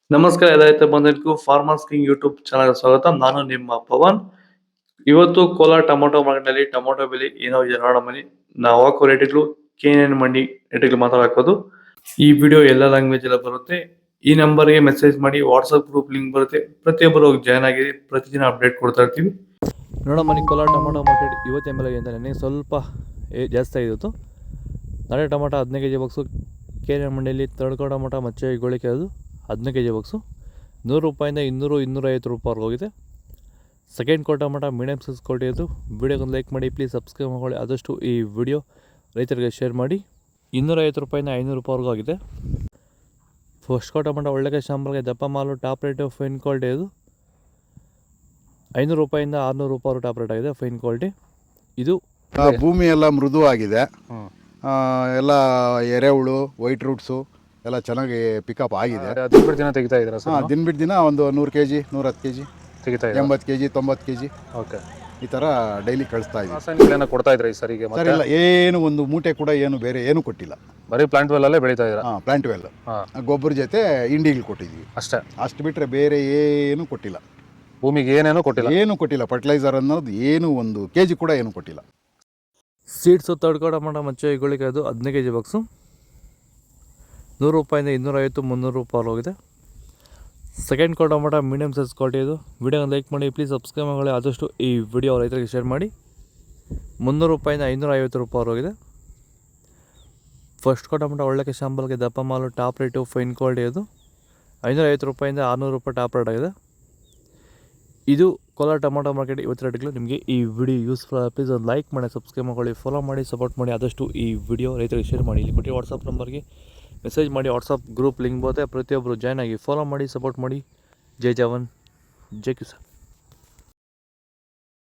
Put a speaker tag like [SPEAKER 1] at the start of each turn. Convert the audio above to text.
[SPEAKER 1] ನಮಸ್ಕಾರ ರೈತ ಬಂಧುಗಳಿಗೂ ಫಾರ್ಮರ್ಸ್ ಕಿಂಗ್ ಯೂಟ್ಯೂಬ್ ಚಾನಲ್ ಸ್ವಾಗತ. ನಾನು ನಿಮ್ಮ ಪವನ್. ಇವತ್ತು ಕೋಲಾರ ಟೊಮೊಟೊ ಮಾರ್ಕೆಟ್ನಲ್ಲಿ ಟೊಮೊಟೊ ಬೆಲೆ ಏನೋ ಇದೆ ನೋಡೋಣ ಬನ್ನಿ. ನಾವು ಹಾಕೋ ರೇಟ್ಗಳು KNN ಮಂಡಿ ರೇಟ್ಗಳು ಮಾತಾಡೋದು. ಈ ವಿಡಿಯೋ ಎಲ್ಲ ಲ್ಯಾಂಗ್ವೇಜ್ ಎಲ್ಲ ಬರುತ್ತೆ. ಈ ನಂಬರ್ಗೆ ಮೆಸೇಜ್ ಮಾಡಿ, ವಾಟ್ಸಪ್ ಗ್ರೂಪ್ ಲಿಂಕ್ ಬರುತ್ತೆ, ಪ್ರತಿಯೊಬ್ಬರು ಜಾಯ್ನ್ ಆಗಿ ಪ್ರತಿದಿನ ಅಪ್ಡೇಟ್ ಕೊಡ್ತಾ ಇರ್ತೀವಿ. ನೋಡೋಣ ಬನ್ನಿ, ಕೋಲಾರ ಟೊಮೊಟೊ ಮಾರ್ಕೆಟ್ ಇವತ್ತು ML ಅಂತ ನನಗೆ ಸ್ವಲ್ಪ ಜಾಸ್ತಿ ಆಗಿತ್ತು. ನಾಳೆ ಟೊಮೊಟೊ 15 kg ಬಾಕ್ಸು KNN ಮಂಡಿಯಲ್ಲಿ. ತಡ್ಕೋ ಟೊಮೊಟೊ ಮಚ್ಚೆ ಗೋಳಿಕೆ ಅದು 15 kg ಬಾಕ್ಸು 100 ರೂಪಾಯಿಂದ 200-250 ರೂಪಾಯಿವರೆಗೆ ಹೋಗಿದೆ. Second quarter tomato medium size quality ಅದು. ವಿಡಿಯೋಗೊಂದು ಲೈಕ್ ಮಾಡಿ, ಪ್ಲೀಸ್ ಸಬ್ಸ್ಕ್ರೈಬ್ ಮಾಡ್ಕೊಳ್ಳಿ. ಆದಷ್ಟು ಈ ವಿಡಿಯೋ ರೈತರಿಗೆ ಶೇರ್ ಮಾಡಿ. 250 ರೂಪಾಯಿಂದ 500 ರೂಪಾಯಿವರೆಗೂ ಆಗಿದೆ. ಫಸ್ಟ್ ಕ್ವಾರ್ಟರ್ ಟೊಮೊಟೊ ಒಳ್ಳೆಗೆ ಶಾಂಬಲ್ಗೆ ದಪ್ಪ ಮಾಲು ಟಾಪ್ ರೇಟು ಫೈನ್ ಕ್ವಾಲಿಟಿ ಅದು. 500 ರೂಪಾಯಿಂದ 600 ರೂಪಾಯಿ ಟಾಪ್ ರೇಟ್ ಆಗಿದೆ, ಫೈನ್ ಕ್ವಾಲಿಟಿ ಇದು.
[SPEAKER 2] ಭೂಮಿ ಎಲ್ಲ ಮೃದುವಾಗಿದೆ, ಎಲ್ಲ ಎರೆಹುಳು, ವೈಟ್ ರೂಟ್ಸು ಎಲ್ಲ ಚೆನ್ನಾಗಿ ಪಿಕಪ್ ಆಗಿದೆ.
[SPEAKER 3] ದಿನ ಬಿಟ್ಟು ದಿನ ತೆಗಿತಾ ಇದ್ದೀರಾ ಸರ್?
[SPEAKER 2] ದಿನ ಬಿಟ್ಟು ದಿನ ಒಂದು 100 kg 110 kg
[SPEAKER 3] ತೆಗಿತಾ ಇದ್ದೀರಾ?
[SPEAKER 2] 80 kg 90 kg
[SPEAKER 3] ಓಕೆ.
[SPEAKER 2] ಈ ಥರ ಡೈಲಿ ಕಳಿಸ್ತಾ ಇದ್ದೀವಿ.
[SPEAKER 3] ರಾಸಾಯನಿಕಗಳನ್ನ ಕೊಡ್ತಾ ಇದ್ರಾ ಈ ಸರಿಗೆ?
[SPEAKER 2] ಸರ್ ಇಲ್ಲ, ಏನು ಒಂದು ಮೂಟೆ ಕೂಡ ಏನು ಬೇರೆ ಏನು ಕೊಟ್ಟಿಲ್ಲ.
[SPEAKER 3] ಬರೀ ಪ್ಲಾಂಟ್ ವೆಲ್ ಅಲ್ಲೇ ಬೆಳೀತಾ ಇದ್ದೀರಾ?
[SPEAKER 2] ಪ್ಲಾಂಟ್ ವೆಲ್ ಗೊಬ್ಬರ ಜೊತೆ ಇಂಡಿಗಳು ಕೊಟ್ಟಿದ್ವಿ
[SPEAKER 3] ಅಷ್ಟೇ.
[SPEAKER 2] ಅಷ್ಟು ಬಿಟ್ಟರೆ ಬೇರೆ ಏನು ಕೊಟ್ಟಿಲ್ಲ.
[SPEAKER 3] ಭೂಮಿಗೆ ಏನೇನೋ ಕೊಟ್ಟಿಲ್ಲ?
[SPEAKER 2] ಏನು ಕೊಟ್ಟಿಲ್ಲ. ಫರ್ಟಿಲೈಸರ್ ಅನ್ನೋದು ಏನು 1 kg ಕೂಡ ಏನು ಕೊಟ್ಟಿಲ್ಲ.
[SPEAKER 1] ಸೀಡ್ಸು ತಡ್ಕೋ ಟೊಮೊಟೊ ಮಚ್ಚೆ ಗೋಳಿಕೆ ಅದು 15 kg ಬಾಕ್ಸು 100 ರೂಪಾಯಿಂದ 250-300 ರೂಪಾಯಿ ಹೋಗಿದೆ. Second quarter tomato medium size quality ಇದು. ವಿಡಿಯೋನ ಲೈಕ್ ಮಾಡಿ, ಪ್ಲೀಸ್ ಸಬ್ಸ್ಕ್ರೈಬ್ ಮಾಡಿ. ಆದಷ್ಟು ಈ ವಿಡಿಯೋ ರೈತರಿಗೆ ಶೇರ್ ಮಾಡಿ. 300 ರೂಪಾಯಿಂದ 550 ರೂಪಾಯಿ ಹೋಗಿದೆ. ಫಸ್ಟ್ ಕ್ವಾರ್ಟರ್ ಟೊಮೊಟೊ ಒಳ್ಳೆಗೆ ಶಾಂಬಲ್ಗೆ ದಪ್ಪ ಮಾಲು ಟಾಪ್ ರೇಟು ಫೈನ್ ಕ್ವಾಲಿಟಿ ಅದು. 550 ರೂಪಾಯಿಂದ 600 ರೂಪಾಯಿ ಟಾಪ್ ರೇಟ್ ಆಗಿದೆ. ಇದು ಕೋಲಾರ ಟೊಮೊಟೊ ಮಾರ್ಕೆಟ್ ಇವತ್ತು ರೇಟ್ಗಳು. ನಿಮಗೆ ಈ ವಿಡಿಯೋ ಯೂಸ್ಫುಲ್, ಪ್ಲೀಸ್ ಒಂದು ಲೈಕ್ ಮಾಡಿ, ಸಬ್ಸ್ಕ್ರೈಬ್ ಮಾಡ್ಕೊಳ್ಳಿ, ಫಾಲೋ ಮಾಡಿ, ಸಪೋರ್ಟ್ ಮಾಡಿ. ಆದಷ್ಟು ಈ ವಿಡಿಯೋ ರೈತರಿಗೆ ಶೇರ್ ಮಾಡಿ. ಇಲ್ಲಿ ಕೊಟ್ಟಿರೋ ವಾಟ್ಸಪ್ ನಂಬರ್ಗೆ ಮೆಸೇಜ್ ಮಾಡಿ, ವಾಟ್ಸಪ್ ಗ್ರೂಪ್ ಲಿಂಕ್ ಬರುತ್ತೆ, ಪ್ರತಿಯೊಬ್ಬರು ಜಾಯ್ನ್ ಆಗಿ ಫಾಲೋ ಮಾಡಿ, ಸಪೋರ್ಟ್ ಮಾಡಿ. ಜೈ ಜವಾನ್, ಜೈ ಕಿಸಾನ್.